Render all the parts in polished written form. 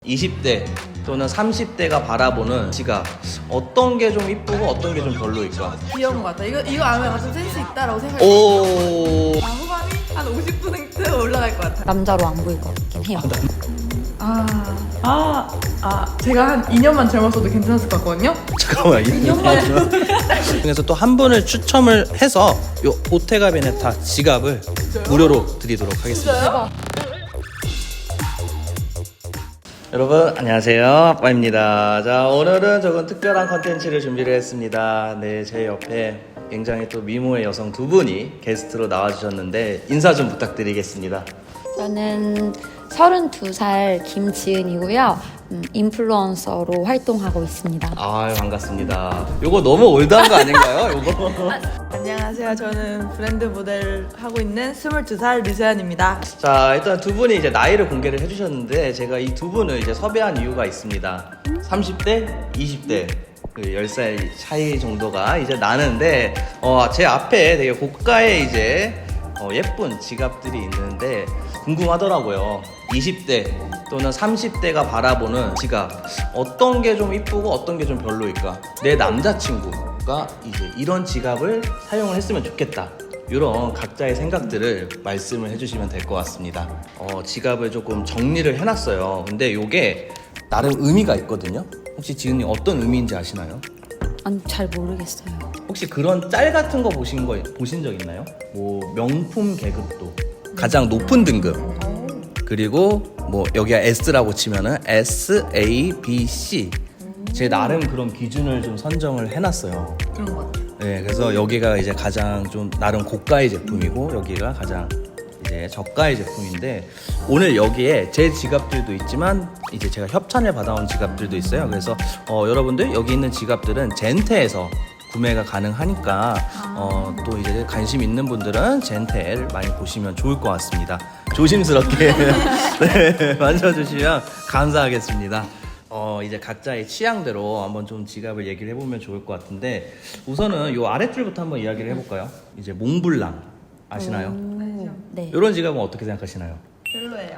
20대 또는 30대가 바라보는 지갑, 어떤 게 좀 이쁘고 어떤 게 좀 별로일까? 귀여운 것 같아. 이거 아면 약간 좀 센스 있다라고 생각해. 오. 후반이 한 50% 올라갈 것 같아. 남자로 안 보일 것 같긴 해요. 제가 한 2년만 젊었어도 괜찮았을 것 같거든요. 잠깐만, 2년만 중에서 또 한 분을 추첨을 해서 요 보테가 베네타 지갑을 무료로 드리도록 하겠습니다. 진짜요? 여러분 안녕하세요, 아빠입니다. 자, 오늘은 조금 특별한 컨텐츠를 준비를 했습니다. 네, 제 옆에 굉장히 또 미모의 여성 두 분이 게스트로 나와주셨는데 인사 좀 부탁드리겠습니다. 저는 32살 김지은이고요. 인플루언서로 활동하고 있습니다. 아유, 반갑습니다. 요거 너무 올드한 거 아닌가요? 요거? 안녕하세요. 저는 브랜드 모델 하고 있는 22살 류세연입니다. 자, 일단 두 분이 이제 나이를 공개를 해주셨는데 제가 이 두 분을 이제 섭외한 이유가 있습니다. 30대, 20대 그 10살 차이 정도가 이제 나는데 제 앞에 되게 고가의 이제 예쁜 지갑들이 있는데 궁금하더라고요. 20대 또는 30대가 바라보는 지갑, 어떤 게 좀 이쁘고 어떤 게 좀 별로일까? 내 남자친구가 이제 이런 지갑을 사용을 했으면 좋겠다, 이런 각자의 생각들을 말씀을 해주시면 될 것 같습니다. 지갑을 조금 정리를 해놨어요. 근데 이게 나름 의미가 있거든요. 혹시 지은님 어떤 의미인지 아시나요? 아니, 잘 모르겠어요. 혹시 그런 짤 같은 거 보신 적 있나요? 뭐 명품 계급도 가장 높은 등급, 그리고 뭐 여기가 S라고 치면은 S, A, B, C, 제 나름 그런 기준을 좀 선정을 해놨어요. 그런 것 같아요. 네, 그래서 여기가 이제 가장 좀 나름 고가의 제품이고 여기가 가장 이제 저가의 제품인데, 오늘 여기에 제 지갑들도 있지만 이제 제가 협찬을 받아온 지갑들도 있어요. 그래서 여러분들 여기 있는 지갑들은 젠테에서 구매가 가능하니까 또 이제 관심 있는 분들은 젠테를 많이 보시면 좋을 것 같습니다. 조심스럽게 네, 만져주시면 감사하겠습니다. 이제 각자의 취향대로 한번 좀 지갑을 얘기를 해보면 좋을 것 같은데, 우선은 요 아랫줄부터 한번 이야기를 해볼까요? 이제 몽블랑 아시나요? 네. 이런 지갑은 어떻게 생각하시나요? 별로예요.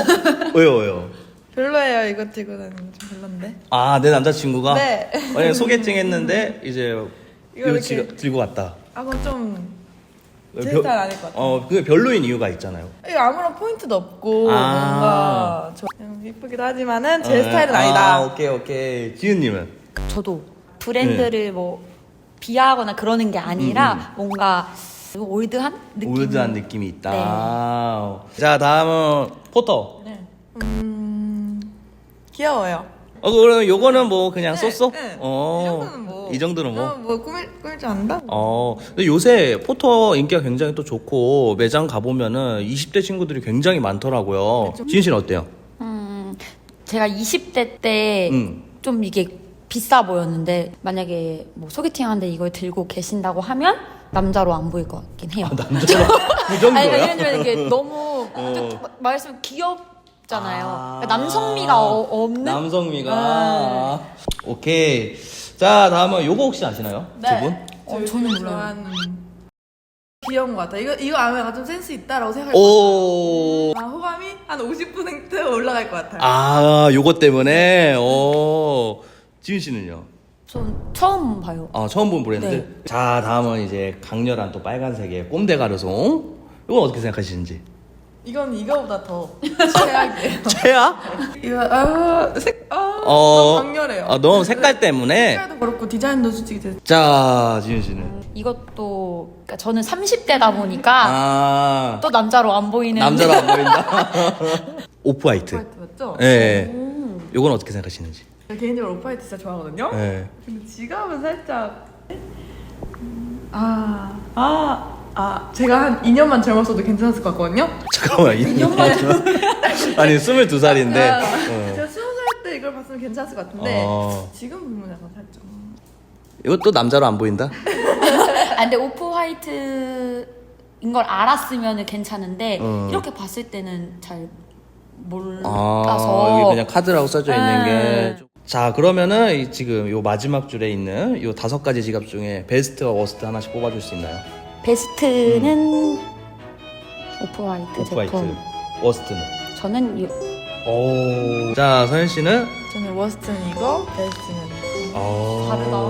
왜요? 별로예요. 이거 들고 다니는 좀 별론데. 아, 내 남자친구가? 네. 만약에 소개팅 했는데 이제 이거 이거 이렇게 지갑 들고 왔다. 그건 좀 제 스타일 아닐 것 같아요. 그게 별로인 이유가 있잖아요. 이거 아무런 포인트도 없고 뭔가 좀 예쁘기도 하지만은 제 네. 스타일은 아니다. 오케이. 지은님은? 저도 브랜드를 뭐 비하하거나 그러는 게 아니라 뭔가 올드한 느낌. 올드한 느낌이 있다. 자, 다음은 포터. 네. 귀여워요. 그럼 요거는 뭐 그냥 쏘쏘? 네. 이 정도는 뭐. 꾸밀 줄 안다? 근데 요새 포터 인기가 굉장히 또 좋고 매장 가보면은 20대 친구들이 굉장히 많더라고요. 지은 씨는 어때요? 제가 20대 때 좀 이게 비싸 보였는데, 만약에 뭐 소개팅 하는데 이걸 들고 계신다고 하면 남자로 안 보일 것 같긴 해요. 남자로 그 정도야? 아니, 왜냐면 이게 너무 말했으면 귀엽잖아요. 그러니까 남성미가 없는. 남성미가. 오케이. 자, 다음은 요거 혹시 아시나요? 네. 두 분? 저는 몰라요. 좋아하는 귀여운 것 같아. 이거 아면 약간 좀 센스 있다라고 생각해. 오. 호감이 한 50% 올라갈 것 같아요. 요거 때문에. 지은 씨는요? 전 처음 봐요. 처음 본 브랜드? 네. 자, 다음은 이제 강렬한 또 빨간색의 꼼데 가르송. 이건 어떻게 생각하시는지? 이건 이거보다 더 최악이에요. 최악? 이거 너무 강렬해요. 너무 색깔 때문에. 색깔도 그렇고 디자인도 솔직히 되게 자, 지은 씨는? 이것도 그러니까 저는 30대다 보니까 또 남자로 안 보이는. 남자로 안 보인다. 오프화이트. 오프화이트 맞죠? 네. 요건 어떻게 생각하시는지? 제가 개인적으로 오프화이트 진짜 좋아하거든요. 네. 근데 지갑은 살짝 제가 한 2년만 젊었어도 괜찮았을 것 같거든요. 잠깐만, 2년만. 아니, 22살인데. 제가 20살 때 이걸 봤으면 괜찮았을 것 같은데 지금 보면 약간 살짝 이것도 남자로 안 보인다? 근데 오프화이트인 걸 알았으면 괜찮은데 이렇게 봤을 때는 잘 몰라서. 여기 그냥 카드라고 써져 있는 게. 자, 그러면은 지금 요 마지막 줄에 있는 요 5가지 지갑 중에 베스트와 워스트 하나씩 뽑아줄 수 있나요? 베스트는 오프화이트 오프화이트. 제품. 워스트는? 저는 오. 자, 서현 씨는? 저는 워스트는 이거, 베스트는 이거.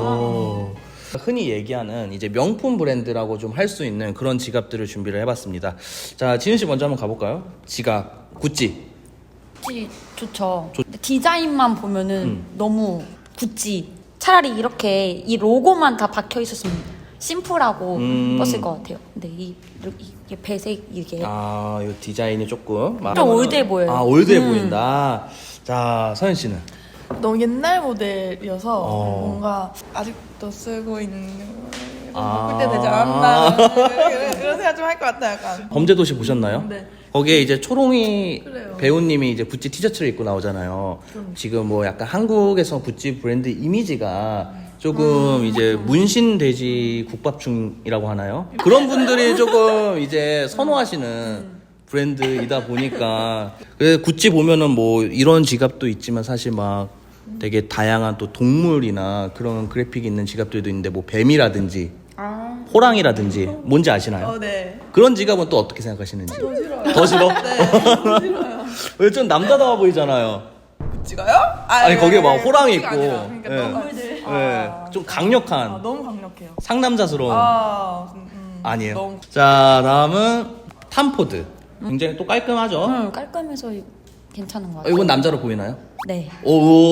다르다. 흔히 얘기하는 이제 명품 브랜드라고 좀 할 수 있는 그런 지갑들을 준비를 해봤습니다. 자, 지은 씨 먼저 한번 가볼까요? 지갑, 구찌. 구찌 좋죠. 근데 디자인만 보면은 너무 구찌. 차라리 이렇게 이 로고만 다 박혀 있었으면 심플하고 예뻤을 것 같아요. 근데 이게 배색 이게 아, 이 디자인이 조금 좀 올드해 보여요. 아, 올드해 보인다. 자, 서현 씨는? 너무 옛날 모델이어서 어. 뭔가 아직도 쓰고 있는 아. 그때 되지 않나 이런 생각 좀 할 것 같아요. 약간. 범죄도시 보셨나요? 네. 거기에 이제 초롱이 그래요. 배우님이 이제 구찌 티셔츠를 입고 나오잖아요. 지금 뭐 약간 한국에서 구찌 브랜드 이미지가 조금 이제 문신 돼지 국밥충이라고 하나요? 그런 분들이 조금 이제 선호하시는 브랜드이다 보니까 그래서 구찌 보면은 뭐 이런 지갑도 있지만 사실 막 되게 다양한 또 동물이나 그런 그래픽이 있는 지갑들도 있는데 뭐 뱀이라든지 호랑이라든지 뭔지 아시나요? 네. 그런 지갑은 또 어떻게 생각하시는지? 더 싫어요. 더 싫어? 네. 더 싫어요. 왜 좀 남자다워 보이잖아요. 구찌가요? 아니, 거기에 막 호랑이 구찌가 있고. 아니라, 그러니까 예. 너무 네, 좀 강력한 너무 강력해요. 상남자스러운 아니에요. 너무 자, 다음은 탐포드. 굉장히 또 깔끔하죠? 깔끔해서 괜찮은 것 어, 같아요. 이건 남자로 보이나요? 네. 오,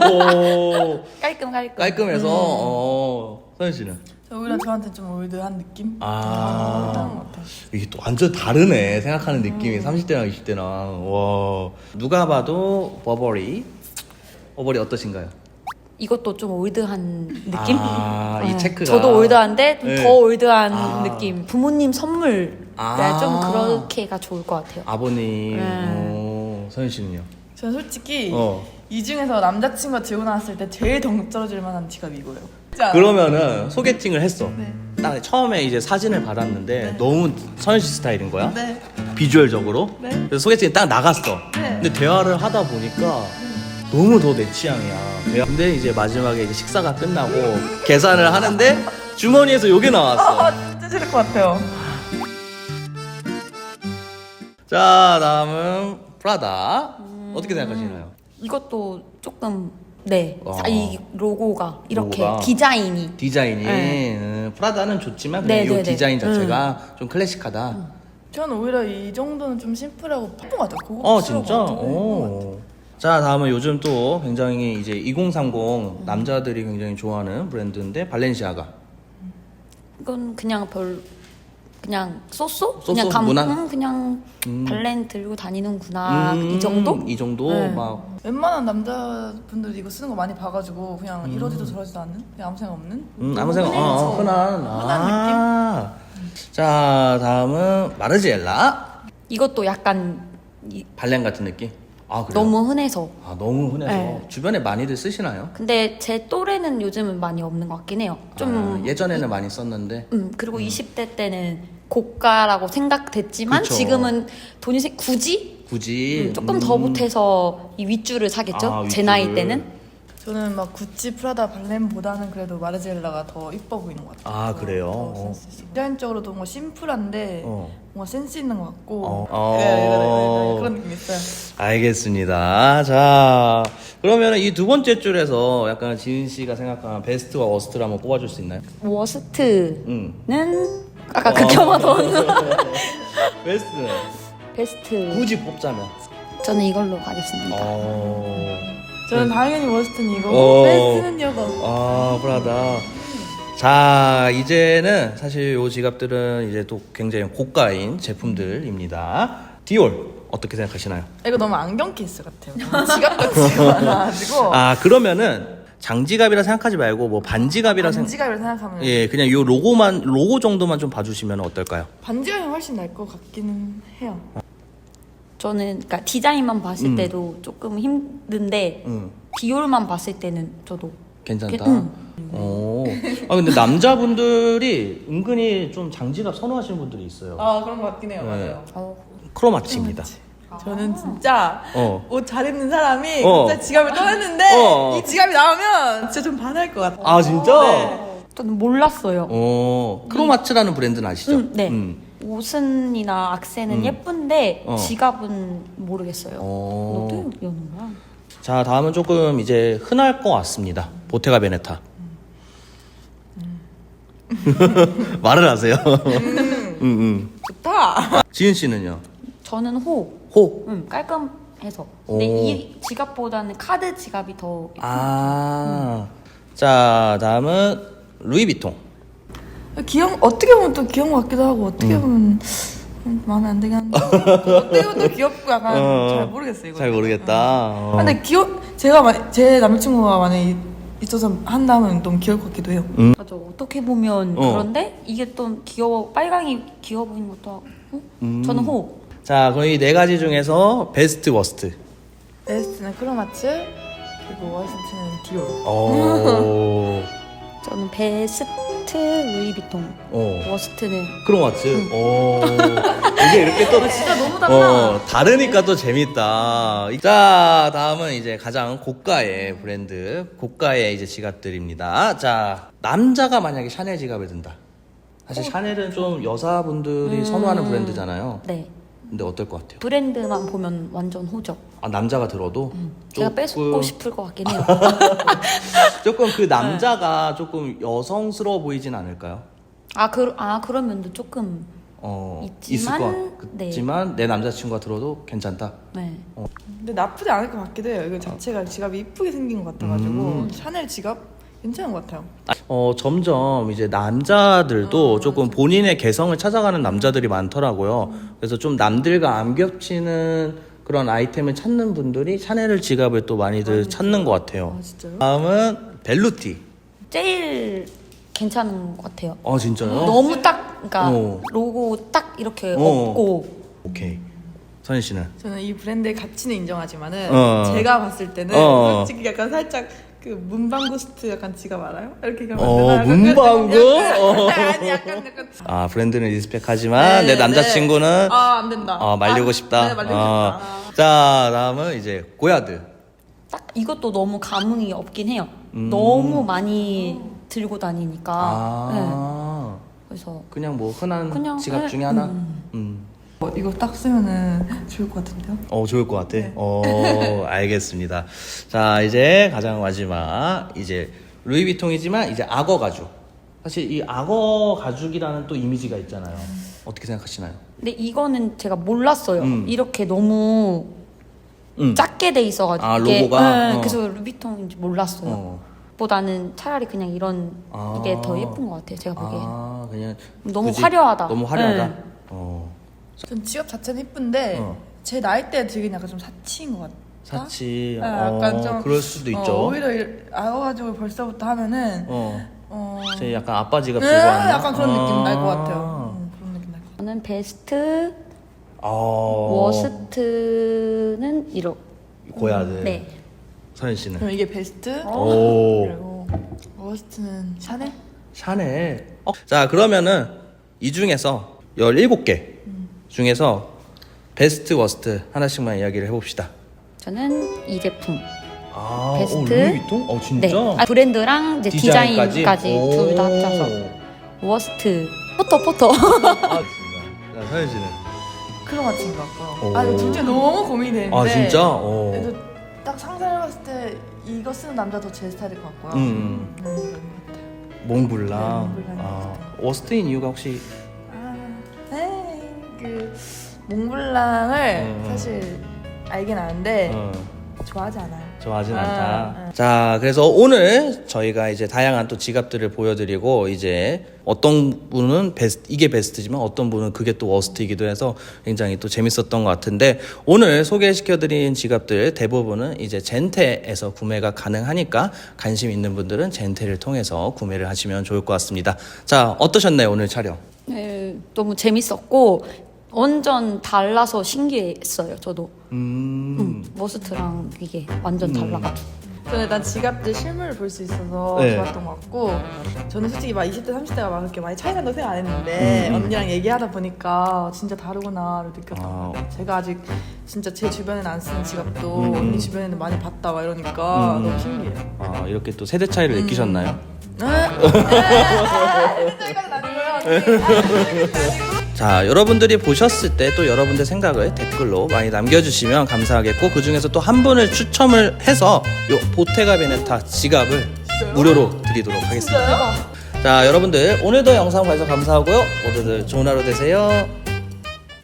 깔끔. 깔끔해서 서현 씨는? 저 오히려 저한테 좀 올드한 느낌? 아. 올드한 것 같아요. 이게 또 완전 다르네 생각하는 느낌이 30대랑 20대랑 와 누가 봐도 버버리 어떠신가요? 이것도 좀 올드한 느낌? 이 네. 체크가 저도 올드한데 좀 네. 더 올드한 아. 느낌. 부모님 선물 아. 좀 그렇게가 좋을 것 같아요. 아버님 네. 서현 씨는요? 저는 솔직히 어. 이 중에서 남자친구가 들고 나왔을 때 제일 덩떨어질 만한 지갑이 이거예요. 그러면은 소개팅을 했어. 네. 딱 처음에 이제 사진을 받았는데 너무 서현 씨 스타일인 거야? 네. 비주얼적으로. 네. 그래서 소개팅이 딱 나갔어. 네. 근데 대화를 하다 보니까 너무 더 내 취향이야. 근데 이제 마지막에 이제 식사가 끝나고 계산을 하는데 주머니에서 요게 나왔어. 진짜 싫을 것 같아요. 자, 다음은 프라다. 어떻게 생각하시나요? 이것도 조금 네. 어. 이 로고가 이렇게 로고가. 디자인이 디자인이 네. 프라다는 좋지만 네, 그냥 이 네, 네. 디자인 자체가 좀 클래식하다. 저는 오히려 이 정도는 좀 심플하고 예쁜 것 같아요. 고급스러워. 진짜? 오. 자, 다음은 요즘 또 굉장히 이제 2030 남자들이 굉장히 좋아하는 브랜드인데 발렌시아가. 이건 그냥 쏘쏘? 쏘쏘? 그냥 무난? 그냥 발렌 들고 다니는구나 이 정도? 이 정도? 네. 막 웬만한 남자분들이 이거 쓰는 거 많이 봐가지고 그냥 이러지도 저러지도 않는? 그냥 아무 생각 없는? 아무 생각 흔한 느낌? 자, 다음은 마르지엘라 이것도 약간 발렌 같은 느낌? 아, 그래요? 너무 흔해서 너무 흔해서 네. 주변에 많이들 쓰시나요? 근데 제 또래는 요즘은 많이 없는 것 같긴 해요. 좀 예전에는 많이 썼는데 그리고 20대 때는 고가라고 생각됐지만 그쵸. 지금은 돈이 굳이 조금 더 보태서 이 윗줄을 사겠죠. 제 나이 때는. 저는 막 구찌, 프라다, 발렌보다는 그래도 마르지엘라가 더 이뻐 보이는 것 같아요. 아, 그래요? 더 센스 있어. 디자인적으로도 뭔가 심플한데 뭔가 센스 있는 것 같고 어. 네, 그런 느낌 있어요. 알겠습니다. 자, 그러면 이 두 번째 줄에서 약간 지은 씨가 생각하는 베스트와 워스트를 한번 뽑아줄 수 있나요? 워스트는 아까 극혐하던 베스트는 베스트. 굳이 뽑자면. 저는 이걸로 가겠습니다. 저는 당연히 워스트는 이거고 어. 베스트는 이거. 프라다. 자, 이제는 사실 요 지갑들은 이제 또 굉장히 고가인 제품들입니다. 디올 어떻게 생각하시나요? 이거 너무 안경 케이스 같아요. 지갑 같지가 않아가지고 그러면은 장지갑이라 생각하지 말고 뭐 반지갑이라 반지갑을 생각하면 예, 그냥 요 로고 정도만 좀 봐주시면 어떨까요? 반지갑이 훨씬 나을 것 같기는 해요. 저는 그러니까 디자인만 봤을 때도 조금 힘든데 디올만 봤을 때는 저도 괜찮다. 근데 남자분들이 은근히 좀 장지갑 선호하시는 분들이 있어요. 그런 것 같긴 해요. 네. 맞아요. 크로마치입니다. 저는 진짜 옷 잘 입는 사람이 어. 진짜 지갑을 꺼냈는데 이 지갑이 나오면 진짜 좀 반할 것 같아요. 아, 진짜? 네. 저는 몰랐어요. 크로마츠라는 브랜드는 아시죠? 네. 옷은이나 악세는 예쁜데 어. 지갑은 모르겠어요. 어. 어떻게 여는 거야? 자, 다음은 조금 이제 흔할 것 같습니다. 보테가 베네타. 말을 하세요. 좋다. 지은 씨는요? 저는 호. 호. 깔끔해서. 근데 오. 이 지갑보다는 카드 지갑이 더 아. 자, 다음은 루이비통. 어떻게 보면 또 귀여운 것 같기도 하고 어떻게 보면 마음에 안 들긴 한데 어떻게 보면 또 귀엽고 약간 잘 모르겠어요 이거. 잘 모르겠다. 어. 근데 제 남자친구가 만약에 있어서 한다면 너무 귀여울 것 같기도 해요. 맞아. 어떻게 보면 그런데 이게 또 빨강이 귀여워 보이는 것도 하고. 저는 호. 자, 그럼 이 네 가지 중에서 베스트 워스트. 베스트는 크로마츠, 그리고 워스트는 디올. 오. 저는 베스트 루이비통. 워스트는 크로마츠. 오. 이게 이렇게 또 진짜 너무 달라. 다르니까 또 재밌다. 자, 다음은 이제 가장 고가의 브랜드, 고가의 이제 지갑들입니다. 자, 남자가 만약에 샤넬 지갑을 든다. 사실 샤넬은 좀 여자분들이 선호하는 브랜드잖아요. 네. 근데 어떨 것 같아요? 브랜드만 보면 완전 호죠. 아, 남자가 들어도 제가 뺏고 싶을 것 같긴 해요. 조금 그 남자가 조금 여성스러워 보이진 않을까요? 그런 면도 조금 있을 있지만, 것 같지만 내 남자친구가 들어도 괜찮다. 네. 근데 나쁘지 않을 것 같기도 해요. 이거 자체가 지갑이 이쁘게 생긴 것 같아가지고 샤넬 지갑 괜찮은 것 같아요. 점점 이제 남자들도 조금 본인의 개성을 찾아가는 남자들이 많더라고요. 그래서 좀 남들과 안 겹치는 그런 아이템을 찾는 분들이 샤넬 지갑을 또 많이들 찾는 것 같아요. 아 진짜요? 다음은 벨루티. 제일 괜찮은 것 같아요. 아, 진짜요? 너무 그러니까 어. 로고 딱 이렇게 없고. 오케이. 선희 씨는? 저는 이 브랜드의 가치는 인정하지만은 제가 봤을 때는 솔직히 약간 살짝 그 문방구스트 약간 지갑 알아요? 이렇게 가면 문방구? 아니 약간 아, 브랜드는 리스펙하지만 내 남자친구는 안 된다. 말리고 싶다. 네, 말리고 싶다. 자, 다음은 이제 고야드. 딱 이것도 너무 감흥이 없긴 해요. 너무 많이 들고 다니니까. 네. 그래서 그냥 뭐 흔한 그냥, 지갑 중에 하나. 이거 딱 쓰면은 좋을 것 같은데요? 좋을 것 같아. 알겠습니다. 자, 이제 가장 마지막 이제 루이비통이지만 이제 악어 가죽. 사실 이 악어 가죽이라는 또 이미지가 있잖아요. 어떻게 생각하시나요? 근데 이거는 제가 몰랐어요. 이렇게 너무 작게 돼 있어가지고 아, 이게, 로고가? 그래서 루비통인지 몰랐어요. 보다는 차라리 그냥 이런 이게 더 예쁜 것 같아요. 제가 보기엔. 그냥 너무 굳이 화려하다. 너무 화려하다. 네. 전 지갑 자체는 예쁜데 제 나이 때 들긴 약간 좀 사치인 것 같아. 사치. 네, 약간 좀 그럴 수도 있죠. 오히려 알아가지고 벌써부터 하면은 제 약간 아빠 지갑 네, 들고 왔나? 약간 그런 느낌 날 것 같아요. 그런 느낌 날 것 같아요. 저는 베스트 워스트는 고야드. 네. 서현 씨는? 그럼 이게 베스트, 오. 그리고 워스트는 샤넬? 샤넬. 자, 그러면은 이 중에서 17개 중에서 베스트 워스트 하나씩만 이야기를 해봅시다. 저는 이 제품. 아, 베스트. 루이비통? 진짜? 네. 브랜드랑 이제 디자인까지 둘 다 합쳐서 워스트. 포터. 아, 진짜. 자, 서현 씨는? 크로마치인 것 같고. 오. 이거 둘 중에 너무 고민이 되는데. 아, 진짜? 그래도 딱 상상해봤을 때 이거 쓰는 남자도 제 스타일일 것 같고요. 이건 것 같아요. 몽블랑. 네, 몽블랑이 워스트인 이유가 혹시? 그 몽블랑을 사실 알긴 아는데 좋아하지 않아요. 좋아하진 않다. 자, 그래서 오늘 저희가 이제 다양한 또 지갑들을 보여드리고 이제 어떤 분은 이게 베스트지만 어떤 분은 그게 또 워스트이기도 해서 굉장히 또 재밌었던 것 같은데 오늘 소개시켜드린 지갑들 대부분은 이제 젠테에서 구매가 가능하니까 관심 있는 분들은 젠테를 통해서 구매를 하시면 좋을 것 같습니다. 자, 어떠셨나요 오늘 촬영? 네, 너무 재밌었고 완전 달라서 신기했어요. 저도. 워스트랑 이게 완전 달라가지고. 저는 일단 지갑들 실물을 볼 수 있어서 네. 좋았던 것 같고 저는 솔직히 막 20대 30대가 막 그렇게 많이 차이 난다고 생각 안 했는데 언니랑 얘기하다 보니까 진짜 다르구나를 느꼈던 것 같아요. 제가 아직 진짜 제 주변에는 안 쓰는 지갑도 언니 주변에는 많이 봤다 막 이러니까 너무 신기해요. 이렇게 또 세대 차이를 느끼셨나요? 네? 세대 차이까지는 아니고요. 자, 여러분들이 보셨을 때 또 여러분들 생각을 댓글로 많이 남겨주시면 감사하겠고, 그 중에서 또 한 분을 추첨을 해서 요 보테가 베네타 지갑을 무료로 드리도록 하겠습니다. 자, 여러분들 오늘도 영상 봐주셔서 감사하고요. 모두들 좋은 하루 되세요.